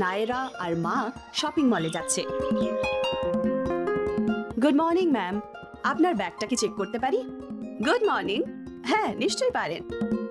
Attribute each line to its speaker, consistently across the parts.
Speaker 1: নায়রা আর মা শপিং মলে যাচ্ছে। গুড মর্নিং ম্যাম, আপনার ব্যাগটা কি চেক করতে পারি? Good morning. হ্যাঁ, নিশ্চয়ই পারেন।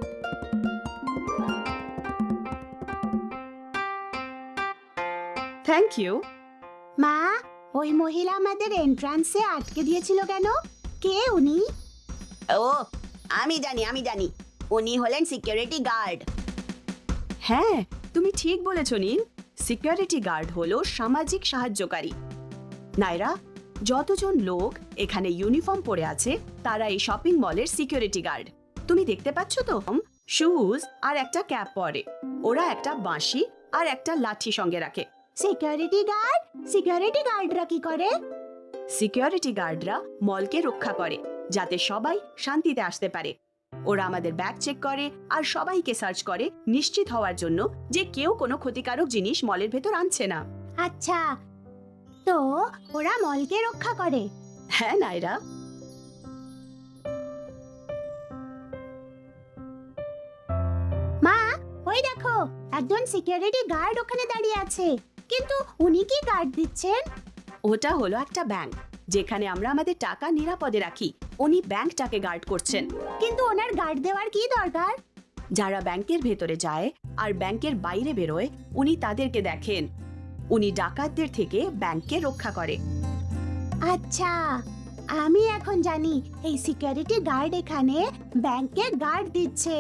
Speaker 1: Thank you.
Speaker 2: মা, ওই মহিলা আমাদের এন্ট্রান্সে আটকে দিয়েছিল কেন? কে উনি?
Speaker 3: ও, আমি জানি উনি হলেন সিকিউরিটি গার্ড।
Speaker 1: হ্যাঁ, তুমি ঠিক বলেছ নীল। সিকিউরিটি গার্ড হলো সামাজিক সাহায্যকারী। নায়রা, যতজন লোক এখানে ইউনিফর্ম পরে আছে তারা এই শপিং মলের সিকিউরিটি গার্ড। তুমি দেখতে পাচ্ছ তো, শুজ আর একটা ক্যাপ পরে। ওরা একটা বাঁশি আর একটা লাঠি সঙ্গে রাখে।
Speaker 2: Security guard? সিকিউরিটি গার্ডরা কি করে?
Speaker 1: সিকিউরিটি গার্ডরা মলকে রক্ষা করে যাতে সবাই শান্তিতে আসতে পারে। ওরা আমাদের ব্যাগ চেক করে আর সবাইকে সার্চ করে নিশ্চিত হওয়ার জন্য যে কেউ কোনো ক্ষতিকারক জিনিস মলের ভেতর আনছে না।
Speaker 2: আচ্ছা, তো ওরা মলকে রক্ষা করে?
Speaker 1: হ্যাঁ নায়রা।
Speaker 2: মা, ওই দেখো, একজন সিকিউরিটি গার্ড ওখানে দাঁড়িয়ে আছে। কিন্তু উনি কি গার্ড দিচ্ছেন?
Speaker 1: ওটা হলো একটা ব্যাংক যেখানে আমরা আমাদের টাকা নিরাপদে রাখি। উনি ব্যাংকটাকে গার্ড করছেন।
Speaker 2: কিন্তু ওনার গার্ড দেওয়ার কি দরকার?
Speaker 1: যারা ব্যাংকের ভেতরে যায় আর ব্যাংকের বাইরে বেরোয় উনি তাদেরকে দেখেন। উনি ডাকাতদের থেকে ব্যাংককে রক্ষা করে।
Speaker 2: আচ্ছা, আমি এখন জানি এই সিকিউরিটি গার্ড এখানে ব্যাংকে গার্ড দিচ্ছে।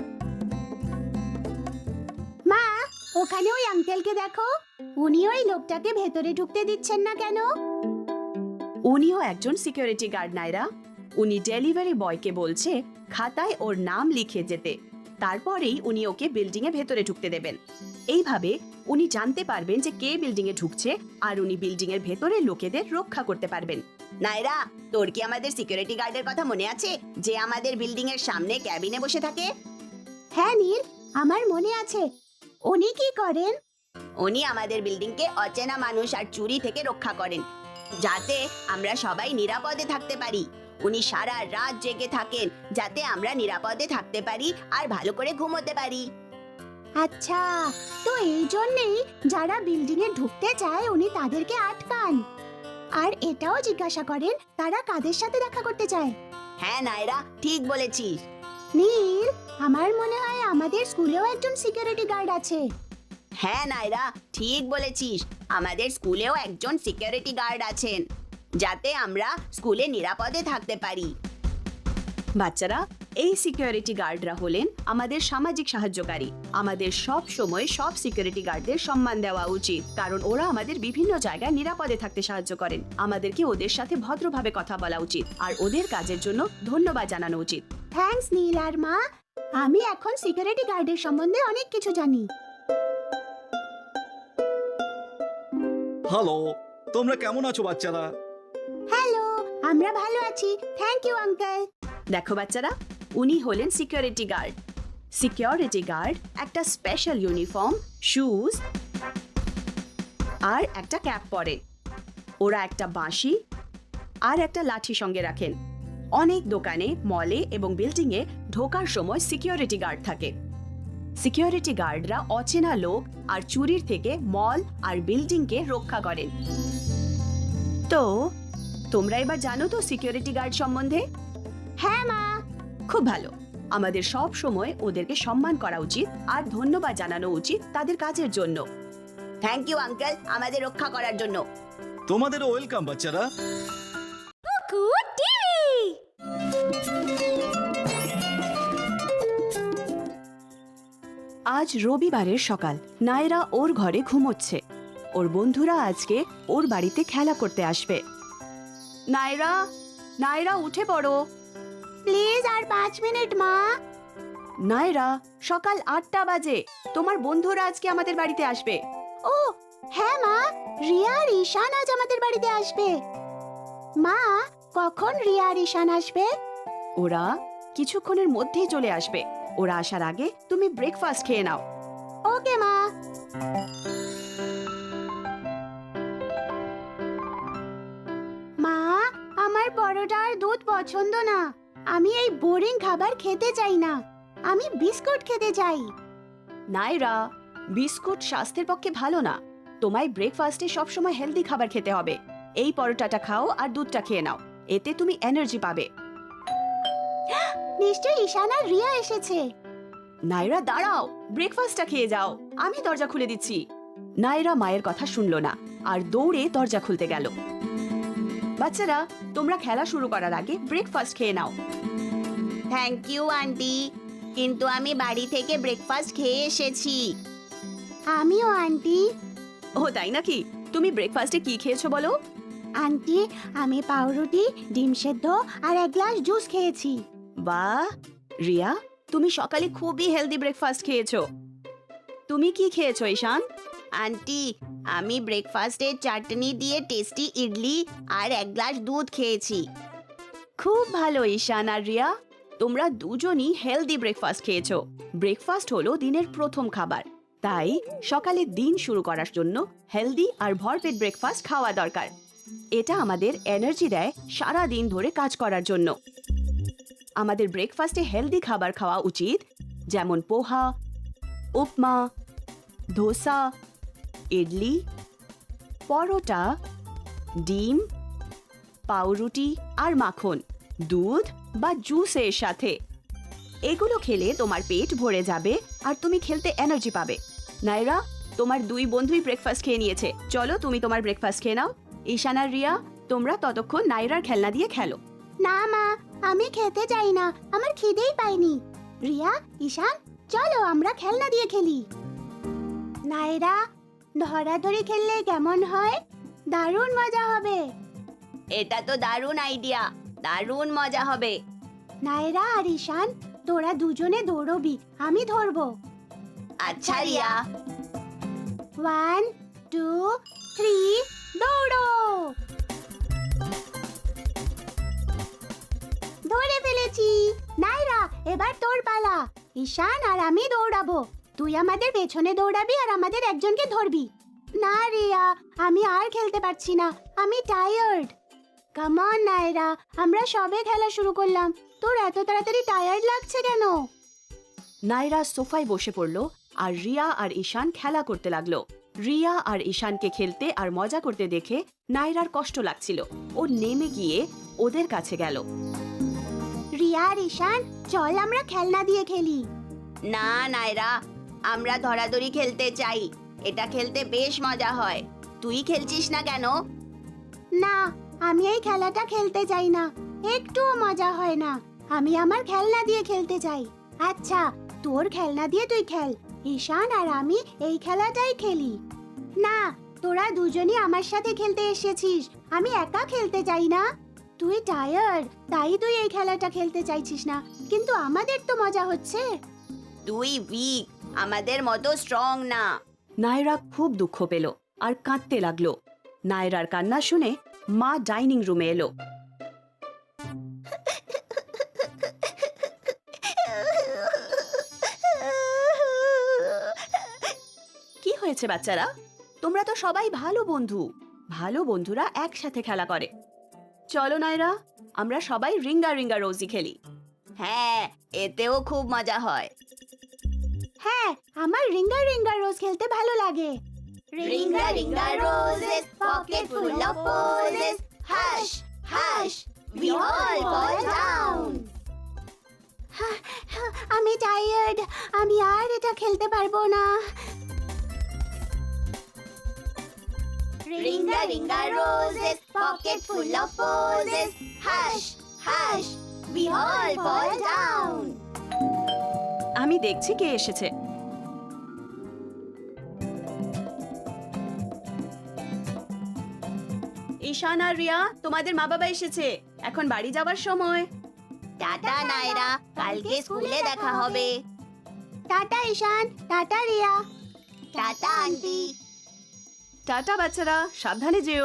Speaker 2: মা, ওখানে ওই আঙ্কেলকে দেখো, উনি ওই লোকটাকে ভেতরে ঢুকতে দিচ্ছেন না কেন?
Speaker 1: উনিও একজন সিকিউরিটি গার্ড নায়রা। উনি ডেলিভারি বয়কে বলছে খাতায় ওর নাম লিখে যেতে, তারপরেই উনি ওকে বিল্ডিং এ ভেতরে ঢুকতে দেবেন। এইভাবে উনি জানতে পারবেন যে কে বিল্ডিং এ ঢুকছে আর উনি বিল্ডিং এর ভেতরে লোকেদের রক্ষা করতে পারবেন।
Speaker 3: নায়রা, তোর কি আমাদের সিকিউরিটি গার্ডের কথা মনে আছে যে আমাদের বিল্ডিং এর সামনে ক্যাবিনে বসে থাকে?
Speaker 2: হ্যাঁ নীল, আমার মনে আছে। উনি কি করেন?
Speaker 3: উনি আমাদের বিল্ডিংকে অচেনা মানুষ আর চুরি থেকে রক্ষা করেন যাতে আমরা সবাই নিরাপদে থাকতে পারি। উনি সারা রাত জেগে থাকেন যাতে আমরা নিরাপদে থাকতে পারি আর ভালো করে ঘুমোতে পারি।
Speaker 2: আচ্ছা, তো এই জন্যই যারা বিল্ডিং এ ঢুকতে চায় উনি তাদেরকে আটকান। আর এটাও জিজ্ঞাসা করেন তারা কাদের সাথে দেখা করতে চায়।
Speaker 3: হ্যাঁ নায়রা, ঠিক বলেছিস।
Speaker 2: নীল, আমার মনে হয় আমাদের স্কুলেও একজন সিকিউরিটি গার্ড আছে।
Speaker 3: হ্যাঁ নায়রা, ঠিক বলেছিস। আমাদের স্কুলেও একজন সিকিউরিটি গার্ড আছেন যাতে আমরা স্কুলে নিরাপদে থাকতে পারি।
Speaker 1: বাচ্চারা, এই সিকিউরিটি গার্ডরা হলেন আমাদের সামাজিক সাহায্যকারী। আমাদের সব সময় সব সিকিউরিটি গার্ডদের সম্মান দেওয়া উচিত, কারণ ওরা আমাদের বিভিন্ন জায়গায় নিরাপদে থাকতে সাহায্য করেন। আমাদেরকে ওদের সাথে ভদ্রভাবে কথা বলা উচিত আর ওদের কাজের জন্য ধন্যবাদ জানানো উচিত।
Speaker 2: থ্যাঙ্কস নীল আর মা, আমি এখন সিকিউরিটি গার্ডের সম্বন্ধে অনেক কিছু জানি।
Speaker 4: হ্যালো, তোমরা কেমন আছো বাচ্চারা?
Speaker 2: হ্যালো, আমরা ভালো আছি, থ্যাংক ইউ আঙ্কেল।
Speaker 1: দেখো বাচ্চারা, উনি হলেন সিকিউরিটি গার্ড। সিকিউরিটি গার্ড একটা স্পেশাল ইউনিফর্ম, শুজ আর একটা ক্যাপ পরে। ওরা একটা বাঁশি আর একটা লাঠি সঙ্গে রাখেন। অনেক দোকানে, মলে এবং বিল্ডিং এ ঢোকার সময় সিকিউরিটি গার্ড থাকে। সিকিউরিটি গার্ডরা অচেনা লোক আর চুরির থেকে মল আর বিল্ডিং কে রক্ষা করেন। তো তোমরা এবার জানো তো সিকিউরিটি গার্ড সম্বন্ধে?
Speaker 2: হ্যাঁ মা।
Speaker 1: খুব ভালো। আমাদের সব সময় ওদেরকে সম্মান করা উচিত আর ধন্যবাদ জানানো উচিত তাদের কাজের জন্য।
Speaker 3: থ্যাংক ইউ আঙ্কেল, আমাদের রক্ষা করার জন্য।
Speaker 4: তোমাদেরও ওয়েলকাম বাচ্চারা।
Speaker 1: আজ রবিবারের সকাল। নায়রা ওর ঘরে ঘুমোচ্ছে। ওর বন্ধুরা আজকে ওর বাড়িতে খেলা করতে আসবে। নায়রা, নায়রা উঠে পড়ো।
Speaker 2: প্লিজ আর 5 মিনিট মা।
Speaker 1: নায়রা, সকাল 8টা বাজে। তোমার বন্ধুরা আজকে আমাদের বাড়িতে আসবে।
Speaker 2: ও হ্যাঁ মা, রিয়া আর ঈশান আজ আমাদের বাড়িতে আসবে। মা, কখন রিয়া আর ঈশান আসবে?
Speaker 1: ওরা কিছুক্ষণের মধ্যেই চলে আসবে। ওরা আসার আগে তুমি ব্রেকফাস্ট খেয়ে নাও।
Speaker 2: ওকে মা। মা, আমার পরোটা আর দুধ পছন্দ না। আমি এই বোরিং খাবার খেতে চাই না। আমি বিস্কুট খেতে চাই।
Speaker 1: নায়রা, বিস্কুট স্বাস্থ্যের পক্ষে ভালো না। তোমায় ব্রেকফাস্টে সবসময় হেলদি খাবার খেতে হবে। এই পরোটাটা খাও আর দুধটা খেয়ে নাও, এতে তুমি এনার্জি পাবে।
Speaker 2: নিশ্চয়ই ঈশান আর রিয়া এসেছে।
Speaker 1: নাইরা দাঁড়াও, ব্রেকফাস্টটা খেয়ে যাও, আমি দরজা খুলে দিচ্ছি। নাইরা মায়ের কথা শুনলো না আর দৌড়ে দরজা খুলতে গেল। বাচ্চারা, তোমরা খেলা শুরু করার আগে ব্রেকফাস্ট খেয়ে নাও।
Speaker 3: থ্যাংক ইউ আন্টি, কিন্তু আমি বাড়ি থেকে ব্রেকফাস্ট খেয়ে এসেছি।
Speaker 2: আমিও আন্টি।
Speaker 1: ও তাই নাকি? তুমি ব্রেকফাস্টে কি খেয়েছো বলো?
Speaker 2: আন্টি, আমি পাউরুটি, ডিম সেদ্ধ আর এক গ্লাস জুস খেয়েছি।
Speaker 1: বাহ রিয়া, তুমি সকালে খুবই হেলদি ব্রেকফাস্ট খেয়েছো। তুমি কি খেয়েছো ঈশান?
Speaker 3: আন্টি, আমি ব্রেকফাস্টে চাটনি দিয়ে টেস্টি ইডলি আর এক গ্লাস দুধ খেয়েছি।
Speaker 1: খুব ভালো ঈশান আর রিয়া, তোমরা দুজনই হেলদি ব্রেকফাস্ট খেয়েছো। ব্রেকফাস্ট হলো দিনের প্রথম খাবার, তাই সকালে দিন শুরু করার জন্য হেলদি আর ভরপেট ব্রেকফাস্ট খাওয়া দরকার। এটা আমাদের এনার্জি দেয় সারা দিন ধরে কাজ করার জন্য। আমাদের ব্রেকফাস্টে হেলদি খাবার খাওয়া উচিত, যেমন পোহা, উপমা, ধোসা, ইডলি, পরোটা, ডিম, পাউরুটি আর মাখন, দুধ বা জুসের সাথে। এগুলো খেলে তোমার পেট ভরে যাবে আর তুমি খেলতে এনার্জি পাবে। নাইরা, তোমার দুই বন্ধুই ব্রেকফাস্ট খেয়ে নিয়েছে, চলো তুমি তোমার ব্রেকফাস্ট খেয়ে নাও। ঈশান আর রিয়া, তোমরা ততক্ষণ নাইরার খেলনা দিয়ে খেলো।
Speaker 2: না মা, আমি খেতে চাই না, আমার খিদেই পাইনি। রিয়া, ঈশান, চলো আমরা খেলনা দিয়ে খেলি। নাইরা, ধরাধরি খেললে কেমন হয়? দারুণ মজা হবে।
Speaker 3: এটা তো দারুণ আইডিয়া, দারুণ মজা হবে।
Speaker 2: নাইরা আর ঈশান, তোরা দুজনে দৌড়বি, আমি ধরবো।
Speaker 3: আচ্ছা রিয়া।
Speaker 2: 1, 2, 3, দৌড়ো। ধরে ফেলেছি। নাইরা, এবার তোর পালা। ঈশান আর আমি দৌড়াবো, তুই আমাদের পেছনে দৌড়াবি আর আমাদের একজনকে ধরবি। না রিয়া, আমি আর খেলতে পারছি না, আমি টায়ার্ড। কাম অন নাইরা, আমরা সবে খেলা শুরু করলাম, তোর এত তাড়াতাড়ি টায়ার্ড লাগছে কেন?
Speaker 1: নাইরা সোফায় বসে পড়লো আর রিয়া আর ঈশান খেলা করতে লাগলো। রিয়া আর ঈশানকে খেলতে আর মজা করতে দেখে নাইরার কষ্ট লাগছিল। ও নেমে গিয়ে ওদের কাছে গেল।
Speaker 2: রিয়া আর ঈশান, চল আমরা খেলনা দিয়ে খেলি।
Speaker 3: না নাইরা, আমরা ধরাধরি খেলতে চাই, এটা খেলতে বেশ মজা হয়। তুই খেলছিস না কেন?
Speaker 2: না, আমি এই খেলাটা খেলতে চাই না, একটুও মজা হয় না। আমি আমার খেলনা দিয়ে খেলতে চাই। আচ্ছা, তোর খেলনা দিয়ে তুই খেল, ঈশান আর আমি এই খেলাটাই খেলি। না, তোরা দুজনই আমার সাথে খেলতে এসেছিস, আমি একা খেলতে চাই না। তুই টায়ার্ড, তাই তুই এই খেলাটা খেলতে চাইছিস না, কিন্তু আমাদের তো মজা হচ্ছে।
Speaker 3: তুই উইক, আমাদের মতো স্ট্রং না।
Speaker 1: নায়রা খুব দুঃখ পেল আর কাঁদতে লাগলো। নায়রার কান্না শুনে মা ডাইনিং রুমে এলো। কি হয়েছে বাচ্চারা? তোমরা তো সবাই ভালো বন্ধু, ভালো বন্ধুরা একসাথে খেলা করে। চলো নায়রা, আমরা সবাই রিঙ্গা রিঙ্গা রোজি খেলি।
Speaker 3: হ্যাঁ, এতেও খুব মজা হয়।
Speaker 2: হ্যাঁ, আমার রিঙ্গা রিঙ্গা রোজ খেলতে ভালো লাগে।
Speaker 3: Ring a ring a roses, pocket full of posies. Hush, hush, we all fall down.
Speaker 2: আমি টায়ার্ড, আমি আর এটা খেলতে পারবো না।
Speaker 3: Ringa ringa roses, pocket full of posies. Hush, hush, we all fall down.
Speaker 1: আমি দেখছি কে এসেছে। ঈশান আর রিয়া, তোমাদের মা বাবা এসেছে, এখন বাড়ি যাবার সময়।
Speaker 3: টাটা নায়রা, কালকে স্কুলে দেখা হবে।
Speaker 2: Tata Ishaan, tata Riya.
Speaker 3: Tata aunty.
Speaker 1: Tata বাচ্চারা, সাবধানে যেও।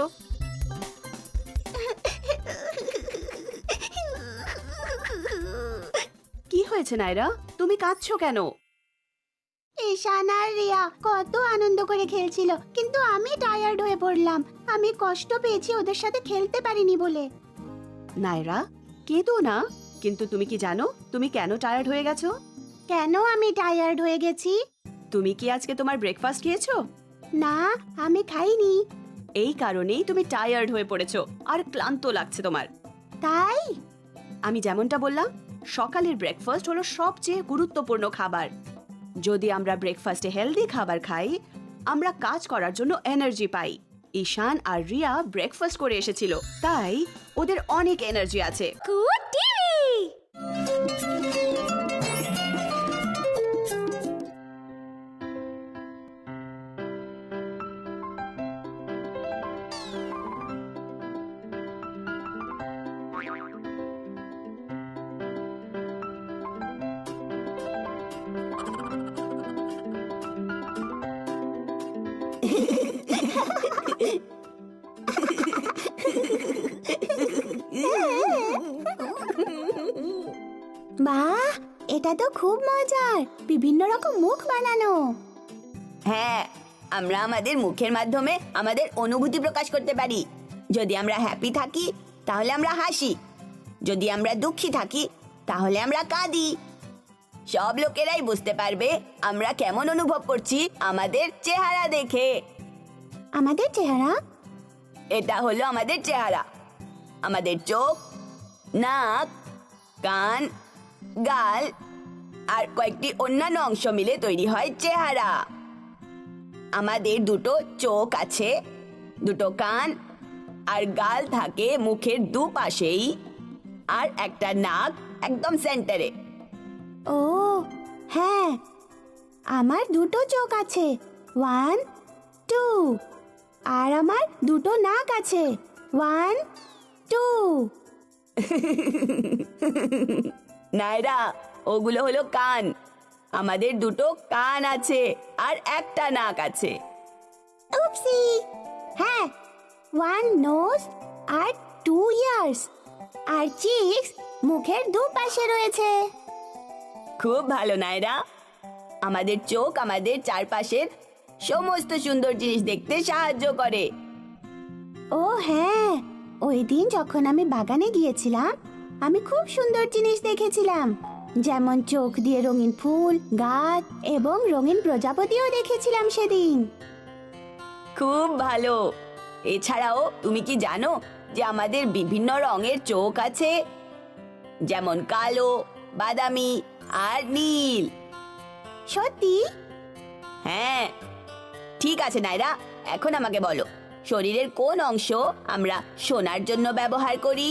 Speaker 1: কি হয়েছে নায়রা, তুমি কাঁদছো কেন?
Speaker 2: ঈশান আর রিয়া কত আনন্দ করে খেলছিল, কিন্তু আমি টায়ার্ড হয়ে পড়লাম। আমি কষ্ট পেয়েছি ওদের সাথে খেলতে পারিনি বলে।
Speaker 1: নায়রা, কেঁদো না। কিন্তু তুমি কি জানো তুমি কেন টায়ার্ড হয়ে গেছো?
Speaker 2: কেন আমি টায়ার্ড হয়ে গেছি?
Speaker 1: তুমি কি আজকে তোমার ব্রেকফাস্ট খেয়েছো?
Speaker 2: না, আমি খাইনি।
Speaker 1: এই কারণেই তুমি টায়ার্ড হয়ে পড়েছো আর ক্লান্ত লাগছে তোমার।
Speaker 2: তাই?
Speaker 1: আমি যেমনটা বললাম, সকালের ব্রেকফাস্ট হলো সবচেয়ে গুরুত্বপূর্ণ খাবার। যদি আমরা ব্রেকফাস্টে হেলদি খাবার খাই, আমরা কাজ করার জন্য এনার্জি পাই। ঈশান আর রিয়া ব্রেকফাস্ট করে এসেছিল, তাই ওদের অনেক এনার্জি আছে।
Speaker 2: Good TV. বাহ, এটা তো খুব মজার। বিভিন্ন রকম মুখ বানানো।
Speaker 3: হ্যাঁ, আমরা আমাদের মুখের মাধ্যমে আমাদের অনুভূতি প্রকাশ করতে পারি। যদি আমরা হ্যাপি থাকি তাহলে আমরা হাসি, যদি আমরা দুঃখী থাকি তাহলে আমরা কাঁদি। সব লোকেরাই বুঝতে পারবে আমরা কেমন অনুভব করছি আমাদের চেহারা দেখে।
Speaker 2: আমাদের চেহারা?
Speaker 3: এটা হলো আমাদের চেহারা। আমাদের চোখ, নাক, কান, গাল আর কয়েকটি অন্যান্য অংশ মিলে তৈরি হয় চেহারা। আমাদের দুটো চোখ আছে, দুটো কান আর গাল থাকে মুখের দুপাশেই, আর একটা নাক একদম সেন্টারে।
Speaker 2: ও হ্যাঁ, আমার দুটো চোখ আছে, 1 2, আর আমার দুটো নাক আছে, 1 2।
Speaker 3: নায়রা, ওগুলো হলো কান। আমাদের দুটো কান আছে আর একটা নাক আছে।
Speaker 2: উপসি। হ্যাঁ, 1 নোজ আর 2 ইয়ার্স, আর চিক্স মুখের দুপাশে রয়েছে।
Speaker 3: খুব ভালো নায়রা। আমাদের চোখ আমাদের চারপাশের সমস্ত সুন্দর জিনিস দেখতে সাহায্য করে।
Speaker 2: ও হ্যাঁ, ওই দিন যখন আমি বাগানে গিয়েছিলাম, আমি খুব সুন্দর জিনিস দেখেছিলাম। যেমন চোখ দিয়ে রঙিন ফুল, গাছ এবং রঙিন প্রজাপতিও দেখেছিলাম সেদিন।
Speaker 3: খুব ভালো। এছাড়াও তুমি কি জানো যে আমাদের বিভিন্ন রঙের চোখ আছে, যেমন কালো, বাদামি আর নীল?
Speaker 2: সত্যি?
Speaker 3: হ্যাঁ, ঠিক আছে নায়রা, এখন আমাকে বলো, শরীরের কোন অংশ আমরা শোনার জন্য ব্যবহার করি?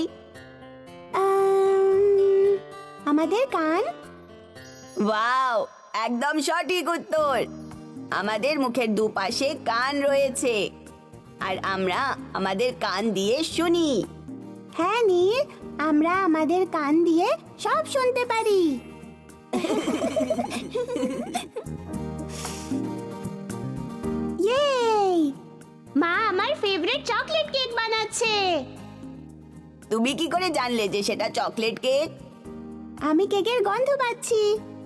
Speaker 2: আমাদের কান।
Speaker 3: ওয়াও, একদম সঠিক উত্তর। আমাদের মুখের দুপাশে কান রয়েছে আর আমরা আমাদের কান দিয়ে শুনি।
Speaker 2: হ্যাঁ নীল, আমরা আমাদের কান দিয়ে সব শুনতে পারি। ইয়েই! মা আমার ফেভারিট চকলেট কেক বানাচ্ছে।
Speaker 3: তুমি কি করে জানলে যে সেটা চকলেট কেক?
Speaker 2: আমি কেকের গন্ধ পাচ্ছি।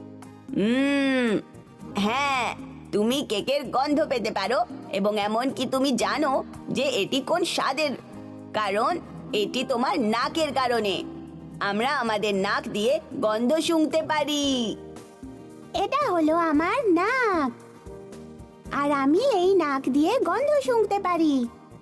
Speaker 3: হ্যাঁ, তুমি কেকের গন্ধ পেতে পারো এবং এমন কি তুমি জানো যে এটি কোন স্বাদের? কারণ এটি তোমার নাকের কারণে। আমরা আমাদের নাক দিয়ে গন্ধ শুঁকতে পারি।
Speaker 2: এটা হলো আমার নাক, আর আমি এই নাক দিয়ে গন্ধ শুঁকতে পারি।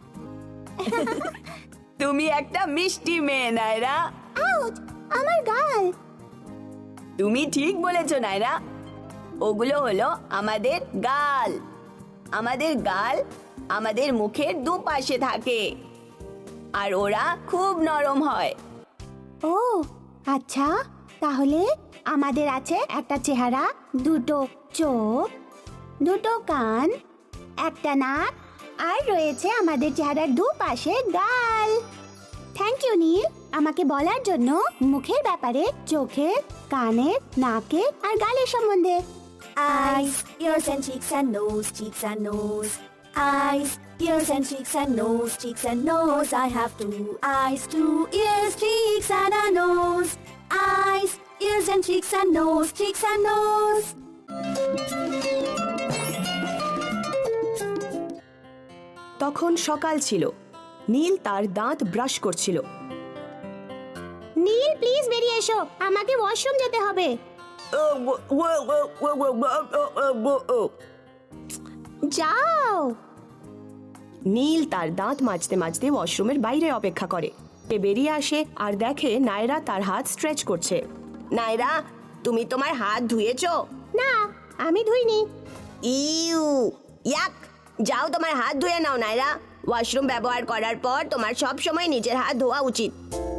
Speaker 3: তুমি একটা মিষ্টি মেয়ে নায়রা।
Speaker 2: আউচ! আমার গাল।
Speaker 3: তুমি ঠিক বলেছো নায়রা, ওগুলো হলো আমাদের গাল। আমাদের গাল আমাদের মুখের দুপাশে থাকে আর ওরা খুব নরম হয়।
Speaker 2: ও আচ্ছা, তাহলে আমাদের আছে একটা চেহারা, দুটো চোখ, দুটো কান, একটা নাক, আর রয়েছে আমাদের চেহারার দুপাশে গাল। থ্যাংক ইউ নীল, আমাকে বলার জন্য মুখের ব্যাপারে, চোখের, কানের, নাকের আর গালের সম্বন্ধে।
Speaker 5: Eyes, ears and cheeks and nose, cheeks and nose. Eyes, ears and cheeks and nose, cheeks and nose. I have 2 eyes, 2 ears, cheeks and a nose. Eyes, ears and cheeks and nose, cheeks and nose.
Speaker 1: তখন সকাল ছিল। নীল তার দাঁত brush করছিল।
Speaker 2: নীল please বেরিয়ে এসো, আমাকে washroom যেতে হবে। যাও।
Speaker 1: নীল তার দাঁত মাজতে মাজতে ওয়াশরুমের বাইরে অপেক্ষা করে। সে বেরিয়ে আসে আর দেখে নায়রা তার হাত স্ট্রেচ করছে।
Speaker 3: নাইরা, তুমি তোমার হাত ধুয়েছো?
Speaker 2: না, আমি ধুইনি।
Speaker 3: ইউ, ইয়াক। যাও তোমার হাত ধুয়ে নাও নাইরা। ওয়াশরুম ব্যবহার করার পর তোমার সব সময় নিজের হাত ধোয়া উচিত।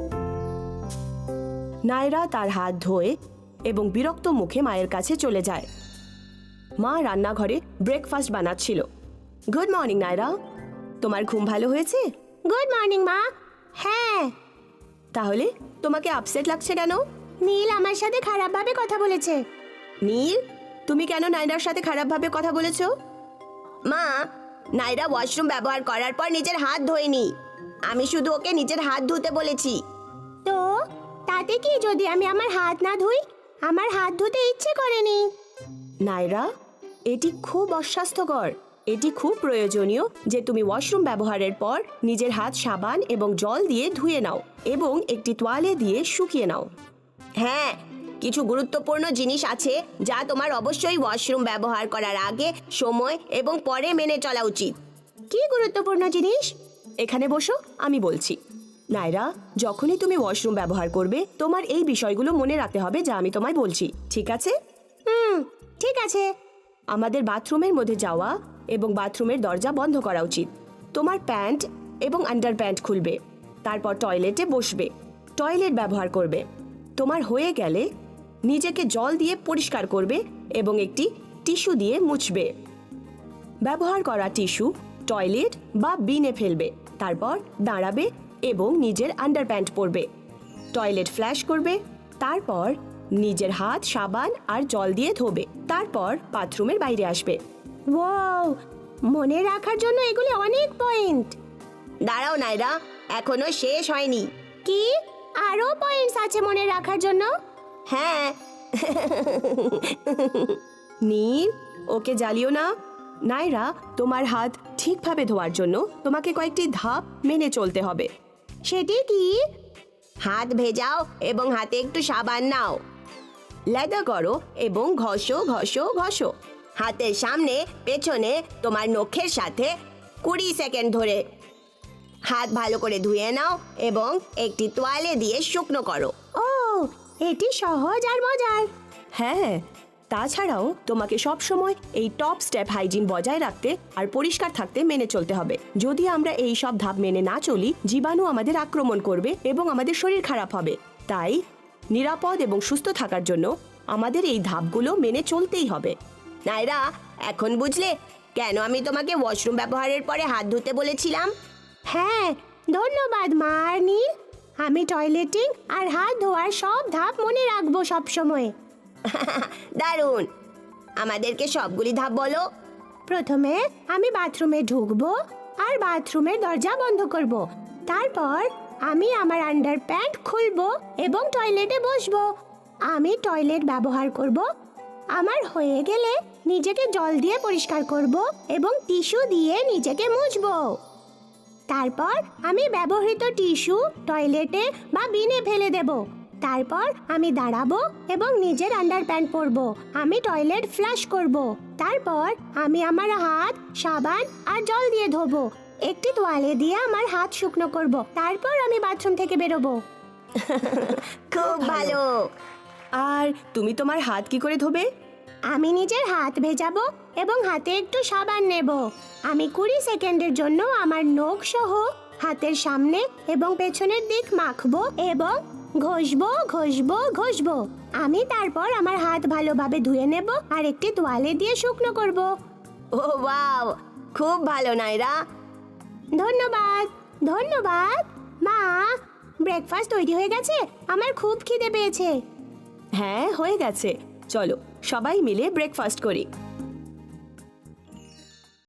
Speaker 1: নায়রা তার হাত ধোয় এবং বিরক্ত মুখে মায়ের কাছে চলে যায়। মা রান্নাঘরে ব্রেকফাস্ট বানাচ্ছিল। গুড মর্নিং নায়রা, তোমার ঘুম ভালো হয়েছে?
Speaker 2: গুড মর্নিং মা। হ্যাঁ।
Speaker 1: তাহলে তোমাকে আপসেট লাগছে কেন?
Speaker 2: নীল আমার সাথে খারাপভাবে কথা বলেছে।
Speaker 1: নীল, তুমি কেন নায়রার সাথে খারাপভাবে কথা বলেছো?
Speaker 3: মা, নাইরা ওয়াশরুম ব্যবহার করার পর নিজের হাত ধোয়নি। আমি শুধু ওকে নিজের হাত ধুতে বলেছি।
Speaker 2: তো তাতে কি যদি আমি আমার হাত না ধুই? আমার হাত ধুতে ইচ্ছে করেনি।
Speaker 1: নায়রা, এটি খুব অস্বাস্থ্যকর। এটি খুব প্রয়োজনীয় যে তুমি ওয়াশরুম ব্যবহারের পর নিজের হাত সাবান এবং জল দিয়ে ধুয়ে নাও এবং একটি তোয়ালে দিয়ে শুকিয়ে নাও।
Speaker 3: হ্যাঁ, কিছু গুরুত্বপূর্ণ জিনিস আছে যা তোমার অবশ্যই ওয়াশরুম ব্যবহার করার আগে, সময় এবং পরে মেনে চলা উচিত।
Speaker 2: কি গুরুত্বপূর্ণ জিনিস?
Speaker 1: এখানে বসো, আমি বলছি। নায়রা, যখনই তুমি ওয়াশরুম ব্যবহার করবে তোমার এই বিষয়গুলো মনে রাখতে হবে যা আমি তোমায় বলছি, ঠিক আছে?
Speaker 2: ঠিক আছে।
Speaker 1: আমাদের বাথরুমের মধ্যে যাওয়া এবং বাথরুমের দরজা বন্ধ করা উচিত। তোমার প্যান্ট এবং আন্ডার প্যান্ট খুলবে, তারপর টয়লেটে বসবে, টয়লেট ব্যবহার করবে। তোমার হয়ে গেলে নিজেকে জল দিয়ে পরিষ্কার করবে এবং একটি টিস্যু দিয়ে মুছবে। ব্যবহার করা টিস্যু টয়লেট বা বিনে ফেলবে, তারপর দাঁড়াবে এবং নিজের আন্ডার প্যান্ট পরবে। টয়লেট ফ্ল্যাশ করবে, তারপর নিজের হাত সাবান আর জল দিয়ে ধোবে, তারপর বাথরুমের বাইরে আসবে।
Speaker 2: ওয়াও, মনে রাখার জন্য এগুলি অনেক পয়েন্ট।
Speaker 3: দাঁড়াও নাইরা, এখনো শেষ হয়নি।
Speaker 2: কি আরো পয়েন্টস আছে মনে রাখার জন্য?
Speaker 3: হ্যাঁ।
Speaker 1: নীল, ওকে জ্বালিও না। নায়রা, তোমার হাত ঠিকভাবে ধোয়ার জন্য তোমাকে কয়েকটি ধাপ মেনে চলতে হবে।
Speaker 2: সেটি কি?
Speaker 3: হাত ভেজাও এবং হাতে একটু সাবান নাও।
Speaker 1: লেদা করো এবং ঘষো ঘষো ঘষো।
Speaker 3: হাতের সামনে পেছনে তোমার নখের সাথে 20 সেকেন্ড ধরে হাত ভালো করে ধুয়ে নাও এবং একটি তোয়ালে দিয়ে শুকনো করো।
Speaker 2: ও, এটি সহজ আর মজার।
Speaker 1: হ্যাঁ, তাছাড়াও তোমাকে সব সময় এই টপ স্টেপ হাইজিন বজায় রাখতে আর পরিষ্কার থাকতে মেনে চলতে হবে। যদি আমরা এই সব ধাপ মেনে না চলি, জীবাণু আমাদের আক্রমণ করবে এবং আমাদের শরীর খারাপ হবে। তাই নিরাপদ এবং সুস্থ থাকার জন্য আমাদের এই ধাপগুলো মেনে চলতেই হবে।
Speaker 3: নাইরা, এখন বুঝলে কেন আমি তোমাকে ওয়াশরুম ব্যবহারের পরে হাত ধুতে বলেছিলাম?
Speaker 2: হ্যাঁ, ধন্যবাদ মা আর নীল। আমি টয়লেটিং আর হাত ধোয়ার সব ধাপ মনে রাখবো সব সময়।
Speaker 3: দারুণ। আমাদেরকে সবগুলি ধাপ বলো।
Speaker 2: প্রথমে আমি বাথরুমে ঢুকবো আর বাথরুমের দরজা বন্ধ করব। তারপর আমি আমার আন্ডার প্যান্ট খুলবো এবং টয়লেটে বসবো। আমি টয়লেট ব্যবহার করব। আমার হয়ে গেলে নিজেকে জল দিয়ে পরিষ্কার করব এবং টিস্যু দিয়ে নিজেকে মুছবো। তারপর আমি ব্যবহৃত টিস্যু টয়লেটে বা বিনে ফেলে দেব। তারপর আমি দাঁড়াবো এবং নিজের আন্ডার প্যান্ট পরবো। আমি টয়লেট ফ্লাশ করব। তারপর আমি আমার হাত সাবান আর জল দিয়ে ধোবো। একটি তোয়ালে দিয়ে আমার হাত শুকনো করব। তারপর আমি বাথরুম থেকে বেরোবো।
Speaker 3: খুব ভালো।
Speaker 1: আর তুমি তোমার হাত কি করে ধোবে?
Speaker 2: আমি নিজের হাত ভেজাবো এবং হাতে একটু সাবান নেব। আমি 20 সেকেন্ডের জন্য আমার নখ সহ হাতের সামনে এবং পেছনের দিক মাখবো এবং ঘষবো ঘষবো ঘষবো। আমি তারপর আমার হাত ভালোভাবে ধুয়ে নেব আর একটি তোয়ালে দিয়ে শুকনো করব।
Speaker 3: ও ওয়াও, খুব ভালো নাইরা।
Speaker 2: ধন্যবাদ। ধন্যবাদ মা। ব্রেকফাস্ট তৈরি হয়ে গেছে, আমার খুব খিদে পেয়েছে।
Speaker 1: হ্যাঁ, হয়ে গেছে। চলো সবাই মিলে ব্রেকফাস্ট করি।